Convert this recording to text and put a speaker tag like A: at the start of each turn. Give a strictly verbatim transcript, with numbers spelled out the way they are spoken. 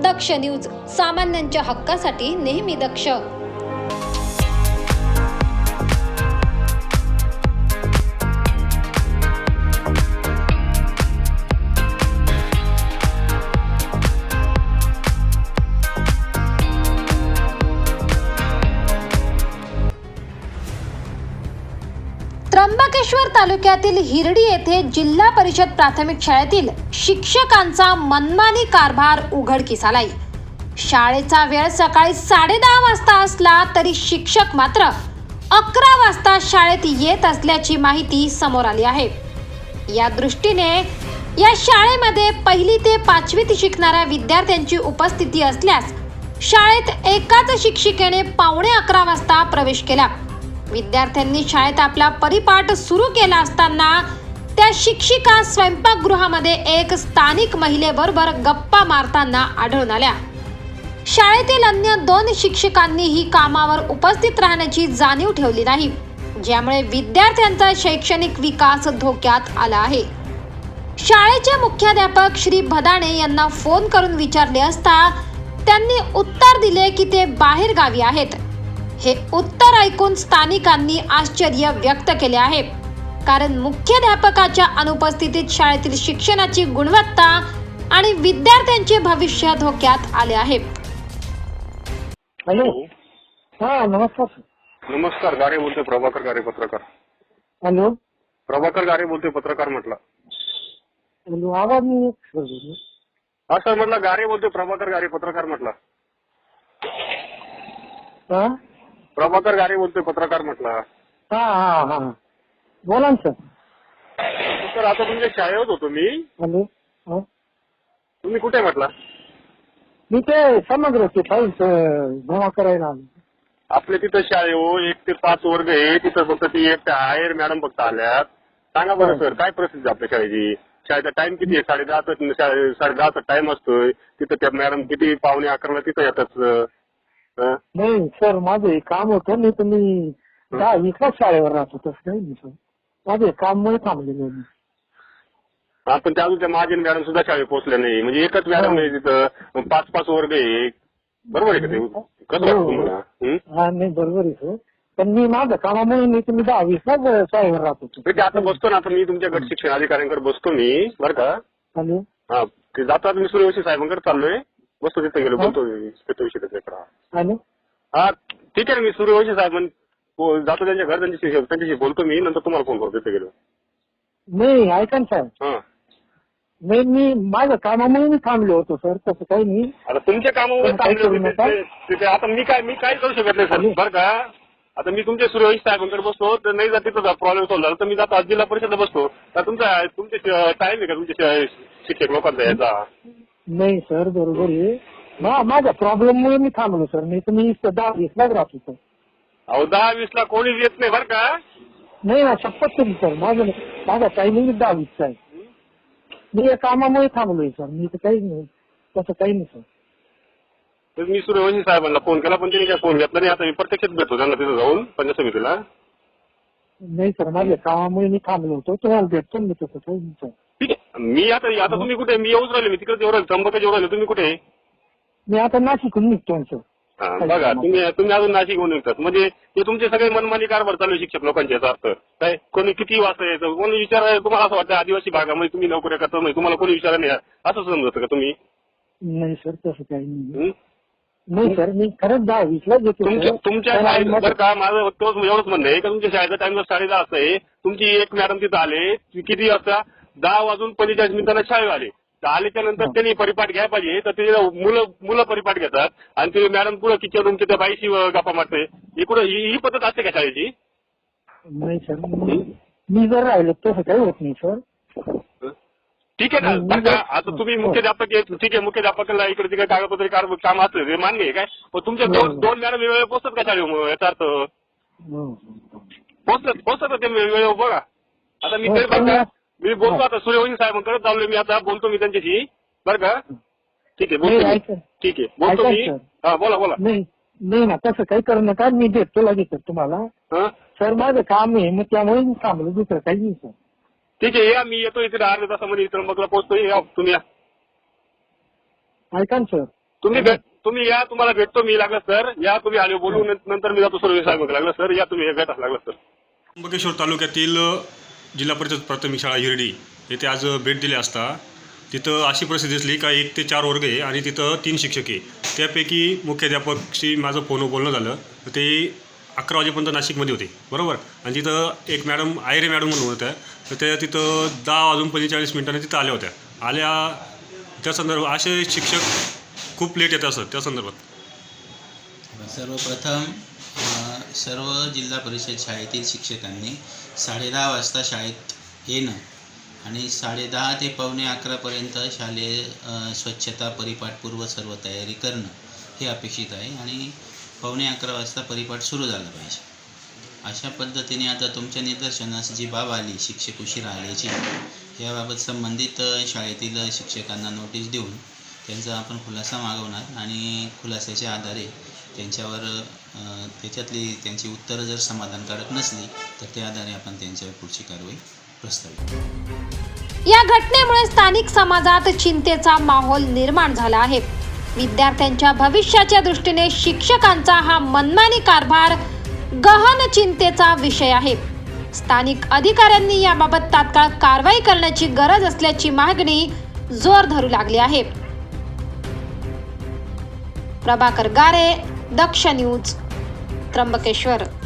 A: दक्ष news, सामान्यांच्या हक्कासाठी नेहमी दक्ष. त्र्यंबकेश्वर तालुक्यातील हिरडी येथे जिल्हा परिषद प्राथमिक शाळेतील शिक्षकांचा मनमानी कारभार उघडकीस आलाय. शाळेचा वेळ सकाळी साडेदहा वाजता असला तरी शिक्षक मात्र अकरा वाजता शाळेत येत असल्याची माहिती समोर आली आहे. या दृष्टीने या शाळेमध्ये पहिली ते पाचवीत शिकणाऱ्या विद्यार्थ्यांची उपस्थिती असल्यास शाळेत एकाच शिक्षिकेने पावणे अकरा वाजता प्रवेश केला. विद्यार्थ्यांनी शाळेत आपला परिपाठ सुरू केला असताना त्या शिक्षिका स्वयंपाकगृहामध्ये एक स्थानिक महिलेबरोबर गप्पा मारताना आढळून आल्या. शाळेतील अन्य दोन शिक्षकांनीही कामावर उपस्थित राहण्याची जाणीव ठेवली नाही, ज्यामुळे विद्यार्थ्यांचा शैक्षणिक विकास धोक्यात आला आहे. शाळेचे मुख्याध्यापक श्री भदाणे यांना फोन करून विचारले असता त्यांनी उत्तर दिले की ते बाहेर गावी आहेत. हे उत्तर ऐकून स्थानिकांनी आश्चर्य व्यक्त केले आहे, कारण मुख्याध्यापकाच्या अनुपस्थितीत शाळेतील शिक्षणाची गुणवत्ता आणि विद्यार्थ्यांचे भविष्य धोक्यात आले आहे.
B: हॅलो. हा नमस्कार.
C: नमस्कार. गारे बोलतोय, प्रभाकर गारे पत्रकार.
B: हॅलो.
C: प्रभाकर गारे बोलतोय, पत्रकार म्हटलं.
B: हॅलो. आवाज नाही.
C: हा सर म्हटलं, गारे बोलतोय, प्रभाकर गारे पत्रकार म्हटलं.
B: हा
C: प्रभाकर गारे बोलतोय, पत्रकार म्हटलं.
B: हा हा हा बोला ना सर.
C: सर आता तुमच्या शाळेत होतो मी.
B: हॅलो. हा.
C: तुम्ही कुठे म्हटला?
B: मी ते समग्र ते फाईल जमा करायला आलो.
C: आपल्या तिथं शाळे हो एक ते पाच वर्ग आहे, तिथं फक्त ती एक हायर मॅडम फक्त आल्यात. सांगा बरं सर, काय परिस्थिती आपल्या शाळेची? शाळेचा टाइम किती आहे? साडे दहाचा साडे दहाचा टाइम असतोय. तिथं त्या मॅडम किती पावणे अकराला तिथं येतात.
B: नाही सर, माझं एक काम होतं. नाही तर मी दहा वीसला शाळेवर राहतो. तसं काही नाही सर, माझं एक काम मुळे थांबलेलं मी.
C: पण त्या अजून त्या महाजन मॅडम सुद्धा शाळेत पोहोचल्या नाही. म्हणजे एकच मॅडम आहे तिथं, पाच पाच वर्ग आहे. बरोबर आहे का ते? कसं वाटतं तुम्हाला?
B: हा नाही बरोबर आहे सर, पण मी माझं कामामुळे नाही तर मी दहा वीसला शाळेवर राहतो.
C: ते आता बसतो ना, आता मी तुमच्या गट शिक्षण अधिकाऱ्यांकडे बसतो मी, बरं का?
B: हॅलो.
C: हा ते जातात. मी सूर्यवंशी साहेबांकडे चाललोय, बसतो तिथे गेलो, बोलतो विषय त्याच्याकडे.
B: हॅलो.
C: हा ठीक आहे, मी सूर्यवंशी साहेब जातो त्यांच्या घर, त्यांच्याशी त्यांच्याशी बोलतो मी, नंतर तुम्हाला फोन करतो तिथे गेलो.
B: नाही ऐका ना साहेब.
C: हा
B: नाही मी माझ्या कामामुळे मी थांबलो होतो सर, तसं काही नाही.
C: आता तुमच्या कामामुळे थांबले. आता मी काय मी काय करू शकत नाही सर, बरं का? आता मी तुमच्या सूर्यवंशी साहेबांकडे बसतो, तर नाही जात तिथं प्रॉब्लेम सॉल्व झाला तर मी जातो जिल्हा परिषदला बसतो. तर तुमचा तुमचे टाइम आहे का तुमच्या शिक्षक लोकांचा याचा?
B: नाही सर बरोबर आहे. माझ्या प्रॉब्लेममुळे मी थांबलो सर, नाही तर मी दहा वीसलाच राहतो सर.
C: अहो दहा वीसला कोणीच येत नाही बरं का?
B: नाही ना, शपथ तरी सर, माझं माझा टायमिंग दहा वीसचा आहे. मी या कामामुळे थांबलोय सर, मी तर काही नाही, तसं काही नाही सर.
C: तर मी सूर्यवंशी साहेबांना फोन केला, पण त्यांनी काय फोन घेतला नाही. आता मी प्रत्यक्षात भेटतो त्यांना तिथं जाऊन पंचायत समितीला.
B: नाही सर, माझ्या कामामुळे मी थांबलो होतो, तुम्हाला भेटतो मी, तसं काही नाही सर.
C: ठीक आहे. मी आता आता तुम्ही कुठे? मी येऊच राहिले, मी तिकडे येऊ राहिले, त्र्यंबकेश्वर येऊ राहिले. तुम्ही कुठे?
B: मी आता नाशिकहून निघतो सर.
C: बघा तुम्ही तुम्ही अजून नाशिक होऊन निघतात, म्हणजे ते तुमचे सगळे मनमानी कारभार चालू आहे शिक्षक लोकांचे. याचा अर्थ काय? कोणी किती वाजता यायचं, कोणी विचार तुम्हाला असं वाटतं आदिवासी भागामध्ये तुम्ही नोकऱ्या करता नाही, तुम्हाला कोणी विचार नाही असं समजतं का तुम्ही?
B: नाही सर, तसं काही नाही. नाही सर, मी खरंच दहा वीसला येतो.
C: तुमच्या शाळेत बरं का, माझं तोच एवढंच म्हणणं आहे का तुमच्या शाळेचा टाइम साडे दहा असं आहे. तुमची एक मॅडम तिथं आले किती वाजता? दहा वाजून पंचेचाळीस मिनिटांना शाळेत आले. आल्याच्या नंतर त्यांनी परिपाठ घ्यायला पाहिजे, तर ते मुलं मुलं परिपाठ घेतात आणि ते मॅडम पुढे किचन रूमच्या त्या बाईशी गप्पा मारते. इकडं ही पद्धत असते का शाळेची?
B: नाही सर, मी जर राहिलो तसं काही होत नाही सर.
C: ठीक आहे ना. बरं का, आता तुम्ही मुख्याध्यापक ठीक आहे, मुख्याध्यापकाला इकडे तिकडे कागदपत्र काम असतं ते मान्य आहे काय? पण तुमच्या दोन दोन मॅडम वेळेवर पोहोचतात का शाळेवर? याचा अर्थ पोहोचतात पोहोचतात ते वेळेवर. बघा आता मी तरी बघा मी बोलतो आता सूर्यवंशी साहेबांकडे चाललोय मी, आता बोलतो मी त्यांच्याशी, बरं का? ठीक आहे बोलतो. ठीक आहे बोलतो मी. हा बोला बोला.
B: नाही नाही ना, तसं काही करू नका, मी देतो लगेच तुम्हाला. सर माझं काम आहे, मग त्यामुळे मी थांबलो, दुसरं काही नाही सर.
C: ठीक आहे या, मी येतो इथे अर्ध्या तासामध्ये त्र्यंबकला पोहोचतो. या तुम्ही या.
B: ऐका ना सर.
C: तुम्ही भेट तुम्ही या, तुम्हाला भेटतो मी लागलं सर. या तुम्ही आले बोलू, नंतर मी जातो सर्व साहेब लागलं सर. या तुम्ही भेट लागलं सर.
D: त्र्यंबकेश्वर तालुक्यातील जिल्हा परिषद प्राथमिक शाळा हिरडी येथे आज भेट दिली असता तिथं अशी परिस्थिती दिसली का एक ते चार वर्ग आहे आणि तिथं तीन शिक्षक आहे. त्यापैकी मुख्याध्यापकशी माझं फोनवर बोलणं झालं तर ते अकरा वाजेपर्यंत नाशिकमध्ये होते, बरोबर. आणि तिथं एक मॅडम आयरे मॅडम म्हणून होत्या, तर त्या तिथं दहा वाजून पंचेचाळीस मिनिटांनी तिथं आल्या होत्या. आल्या त्या संदर्भात असे शिक्षक खूप लेट येत असत त्या संदर्भात.
E: सर्वप्रथम अ, सर्व जिल्हा परिषद शाळेतील शिक्षकांनी साडे दहा वाजता शाळेत येणं आणि साडे दहा ते पावणे अकरापर्यंत शालेय अ, स्वच्छता परिपाठपूर्व सर्व तयारी करणं हे अपेक्षित आहे आणि पावणे अकरा वाजता परिपाठ सुरू झाला पाहिजे. अशा पद्धतीने आता तुमच्या निदर्शनास जी बाब आली शिक्षक उशिरा आल्याची, याबाबत संबंधित शाळेतील शिक्षकांना नोटीस देऊन त्यांचा आपण खुलासा मागवणार आणि खुलासाच्या आधारे त्यांच्यावर अ, त्याच्यातली त्यांची उत्तरं जर समाधानकारक नसली तर त्या आधारे आपण त्यांच्यावर पुढची कारवाई प्रस्तावित.
A: या घटनेमुळे स्थानिक समाजात चिंतेचा माहोल निर्माण झाला आहे. विद्यार्थ्यांच्या भविष्याच्या दृष्टीने शिक्षकांचा हा मनमानी कारभार गहन चिंतेचा विषय आहे. स्थानिक अधिकाऱ्यांनी याबाबत तात्काळ कारवाई करण्याची गरज असल्याची मागणी जोर धरू लागली आहे. प्रभाकर गारे, दक्ष न्यूज, त्र्यंबकेश्वर.